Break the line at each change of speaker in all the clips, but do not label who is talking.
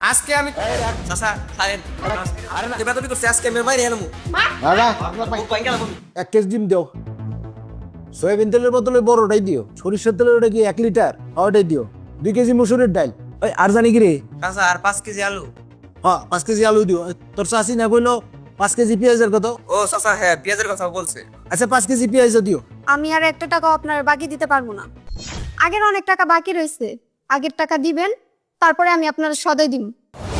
আজকে আমি চাচা খায়েন এবার তুমি করছি আজকে আমি মাইরে এলাম
দাদা 1 কেজি ডিম দাও, সয়াবিন তেলের বদলে বড়টাই দিও, সরিষার তেলের ওটা কি 1 লিটার ওটাই দিও, 2 কেজি মসুরের ডাল, ওই আর জানি কি রে
চাচা আর 5 কেজি আলু।
হ্যাঁ 5 কেজি আলু দিও। তোর চাষি না বললো 5 কেজি পেঁয়াজের কত?
ও চাচা হ্যাঁ পেঁয়াজের কথা বলছে।
আচ্ছা 5 কেজি পেঁয়াজ দিও।
আমি আর একটা টাকাও আপনার বাকি দিতে পারবো না। আগের অনেক টাকা বাকি রয়েছে, আগের টাকা দিবেন, তারপরে আমি আপনার সদয় দিব।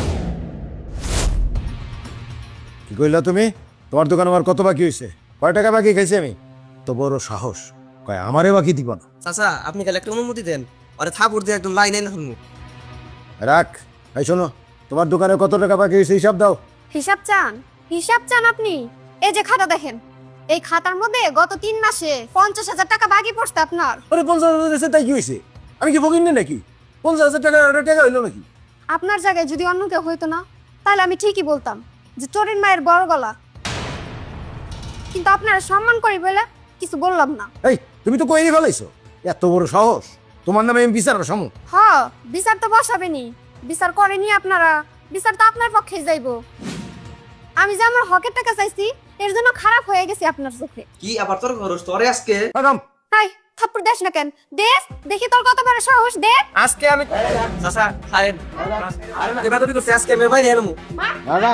কি কইলা তুমি? তোমার দোকান আমার কত বাকি হয়েছে? কয় টাকা বাকি খাইছি আমি? তো বড় সাহস কয় আমারে বাকি দিব না।
চাচা আপনি খালি একটা অনুমতি দেন, আরে থাপুর দিয়ে একদম লাইন না শুনবো।
রাখ। এই শোনো, তোমার দোকানে কত টাকা বাকি হয়েছে হিসাব দাও।
হিসাব চান? হিসাব চান আপনি? এই যে খাতা দেখেন, এই খাতার মধ্যে গত 3 মাসে 50,000 টাকা বাকি পড়ছে আপনার।
আরে 50,000 এসে তাই কি হয়েছে? আমি কি ফকির নাকি? 50,000 টাকা টাকা হইলো নাকি?
আপনার জায়গায় যদি অন্য কেউ হইতো না, তাহলে আমি ঠিকই বলতাম যে চোরের মায়ের বড় গলা। কিন্তু আপনারা সম্মান করি বলে কিছু বললাম না।
এই তুমি তো কইনি ফেলাইছো, এত বড় সাহস! তোমার নামে আমি বিচার বসামু।
হ, বিচার তো বসাবেনি। বিচার করেনি আপনারা, বিচার তো আপনার পক্ষে যাইবো। আমি যে আমার হকের টাকা চাইছি, এর জন্য খারাপ হয়ে গেছি আপনার চোখে।
কি আবার তোর খরচ তোরে আজকে?
ম্যাডাম
হাই, থাপ্পড় দেশ না কেন? দেশ দেখি তোর কত বড় সাহস, দে।
আজকে আমি চাচা খায়েন এবার তুমি করছি আজকে আমি মাইরে এলাম।
দাদা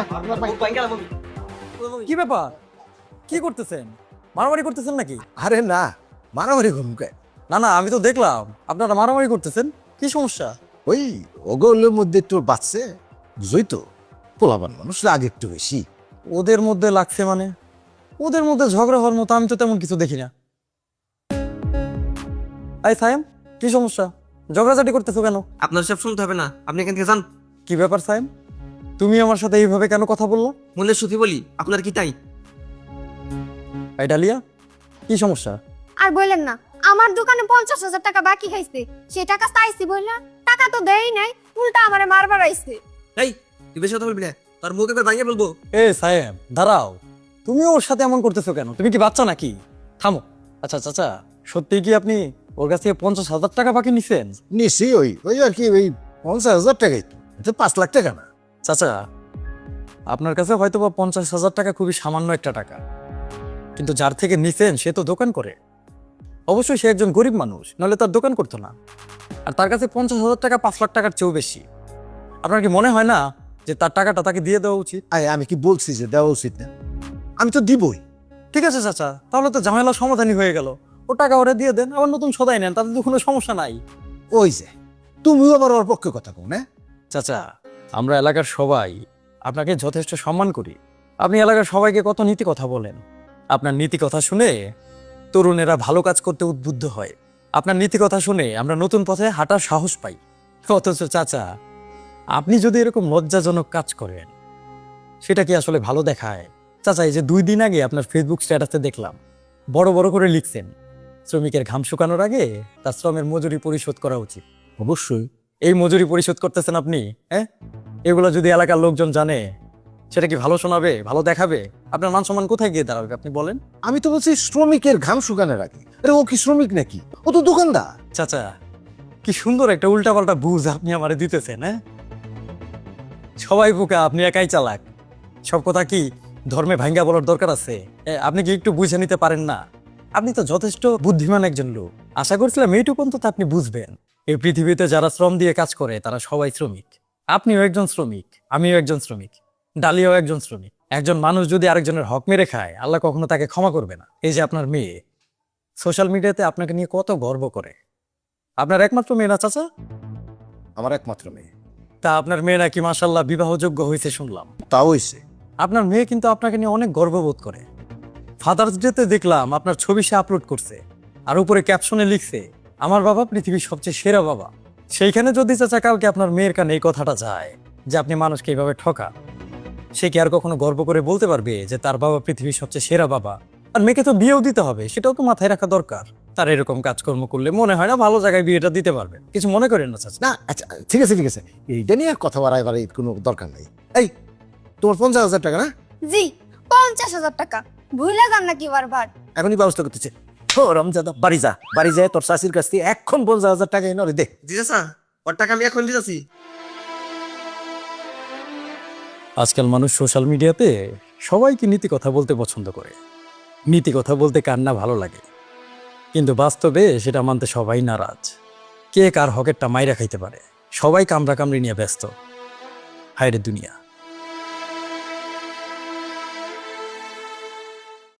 কি ব্যাপার? কি করতেছেন? মারামারি করতেছেন নাকি?
আরে না, মারামারি ঘুমকে
না না, আমি তো দেখলাম আপনারা মারামারি করতেছেন। কি সমস্যা?
ওই ওগুলোর মধ্যে একটু বাঁচছে, বুঝই তো, পোলাবান মানুষ লাগে একটু বেশি।
ওদের মধ্যে লাগছে মানে? ওদের মধ্যে ঝগড়া হওয়ার মতো আমি তো তেমন কিছু দেখি না। এই সাইম, কি সমস্যা? ঝগড়াঝাটি করতেছো কেন?
আপনার সব শুনতে হবে না, আপনি এখান থেকে যান।
কি ব্যাপার সাইম, তুমি আমার সাথে এইভাবে কেন কথা বললো?
মূল্যের সুতি বলি, আপনার কি তাই?
এই ডালিয়া, কি সমস্যা?
আর বললেন না, আমার দোকানে 50,000 টাকা বাকি খাইছে। সে টাকা চাইছি বললা, টাকা তো দেই নাই, উল্টা আমারে মারবার আইছে।
এই তুই বেশি কথা বলবি না, তোর মুখ একবার ভাঙিয়ে বলবো।
এ সাইম দাঁড়াও, তুমি ওর সাথে এমন করতেছো কেন? তুমি কি বাচ্চা নাকি? থামো। আচ্ছা চাচা, সত্যি কি আপনি ওর কাছ থেকে 50,000 টাকা বাকি নিছেন?
নিশ্চয়ই ওই ওই আর কি, ওই 50,000 টাকাই তো, এটা 5 লাখ টাকা না।
চাচা, আপনার কাছে হয়তো বা 50,000 টাকা খুবই সামান্য একটা টাকা, কিন্তু যার থেকে নিছেন সে তো দোকান করে। অবশ্যই সে একজন গরিব মানুষ, নাহলে তার দোকান করতো না। আর তার কাছে 50,000 টাকা 5 লাখ টাকার চেয়েও বেশি। আপনার কি মনে হয় না যে তার টাকাটা তাকে দিয়ে দেওয়া উচিত?
আমি কি বলছি যে দেওয়া উচিত না? আমি তো দিবই।
ঠিক আছে চাচা, তাহলে তো ঝামেলা সমাধানই হয়ে গেল। ও টাকা ওরা দিয়ে দেন, আবার নতুন সদাই নেন, তাতে তো কোনো সমস্যা নাই।
ওই যে তুমিও আবার ওর পক্ষে কথা কও না?
চাচা, আমরা এলাকার সবাই আপনাকে যথেষ্ট সম্মান করি। আপনি এলাকার সবাইকে কত নীতি কথা বলেন। আপনার নীতি কথা শুনে তরুণেরা ভালো কাজ করতে উদ্বুদ্ধ হয়। আপনার নীতি কথা শুনে আমরা নতুন পথে হাঁটার সাহস পাই। অথচ চাচা, আপনি যদি এরকম লজ্জাজনক কাজ করেন, সেটা কি আসলে ভালো দেখায়? চাচা, এই যে 2 দিন আগে আপনার ফেসবুক স্ট্যাটাসে দেখলাম বড় বড় করে লিখছেন, শ্রমিকের ঘাম শুকানোর আগে তার শ্রমের মজুরি পরিশোধ করা উচিত।
অবশ্যই।
এই মজুরি পরিশোধ করতেছেন আপনি, হ্যাঁ? এগুলো যদি এলাকার লোকজন জানে, সেটা কি ভালো শোনাবে, ভালো দেখাবে? আপনার মান সম্মান কোথায় গিয়ে দাঁড়াবে আপনি বলেন?
আমি তো বলছি শ্রমিকের ঘাম শুকানোর আগে। আরে ও কি শ্রমিক নাকি? ও তো দোকানদার।
চাচা, কি সুন্দর একটা উল্টাপাল্টা বুঝ আপনি আমারে দিতেছেন, হ্যাঁ? সবাই বোকা, আপনি একাই চালাক। সব কথা কি ধর্মে ভাঙ্গা বলার দরকার আছে? আপনি কি একটু বুঝে নিতে পারেন না? আপনি তো যথেষ্ট বুদ্ধিমান একজন লোক। আশা করছিলাম এইটুকু অন্তত আপনি বুঝবেন। এই পৃথিবীতে যারা শ্রম দিয়ে কাজ করে তারা সবাই শ্রমিক। আপনিও একজন শ্রমিক, আমিও একজন শ্রমিক, ডালিয়াও একজন শ্রমিক। একজন মানুষ যদি আরেকজনের হক মেরে খায়, আল্লাহ কখনো তাকে ক্ষমা করবে না। এই যে আপনার মেয়ে সোশ্যাল মিডিয়াতে আপনাকে নিয়ে কত গর্ব করে। আপনার একমাত্র মেয়ে না চাচা?
আমার একমাত্র মেয়ে।
তা আপনার মেয়ে নাকি মাশাআল্লাহ বিবাহযোগ্য হয়েছে শুনলাম।
তাও হইছে।
আপনার মেয়ে কিন্তু আপনাকে নিয়ে অনেক গর্ববোধ করে। ফাদার্স ডেতে দেখলাম আপনার ছবি সে আপলোড করছে, আর উপরে ক্যাপশনে লিখছে, আমার বাবা পৃথিবীর সবচেয়ে সেরা বাবা। সেইখানে যদি চাচা কালকে আপনার মেয়ের কানে এই কথাটা যায় যে আপনি মানুষকে এইভাবে ঠকা, সে কি আর কখনো গর্ব করে বলতে পারবে যে তার বাবা পৃথিবীর সবচেয়ে সেরা বাবা? আর মেয়েকে তো বিয়েও দিতে হবে, সেটাও তো মাথায় রাখা দরকার। তার এরকম কাজকর্ম করলে মনে হয় না ভালো জায়গায় বিয়েটা দিতে পারবে। কিছু মনে করেন না চাচা?
না আচ্ছা ঠিক আছে ঠিক আছে, এইটা নিয়ে আর কথা বাড়াইবার কোনো দরকার নাই। এই তোমার 50,000 টাকা না?
জি, 50,000 টাকা। ভুলে যান নাকি বারবার?
এখনই ব্যবস্থা করতেছে। ও রমজাদা, বাড়ি যা, বাড়ি যায় তোর শাশির কাছ থেকে এখন 50,000 টাকা এনে দে।
জি চাচা, ওর টাকা আমি এখন দিতেছি।
আজকাল মানুষ সোশ্যাল মিডিয়াতে সবাইকে নীতি কথা বলতে পছন্দ করে, নীতি কথা বলতে কার না ভালো লাগে, কিন্তু বাস্তবে সেটা মানতে সবাই নারাজ। কে কার হকেরটা মাইরা খাইতে পারে, সবাই কামড়া কামড়ি নিয়ে ব্যস্ত। হায়রে দুনিয়া।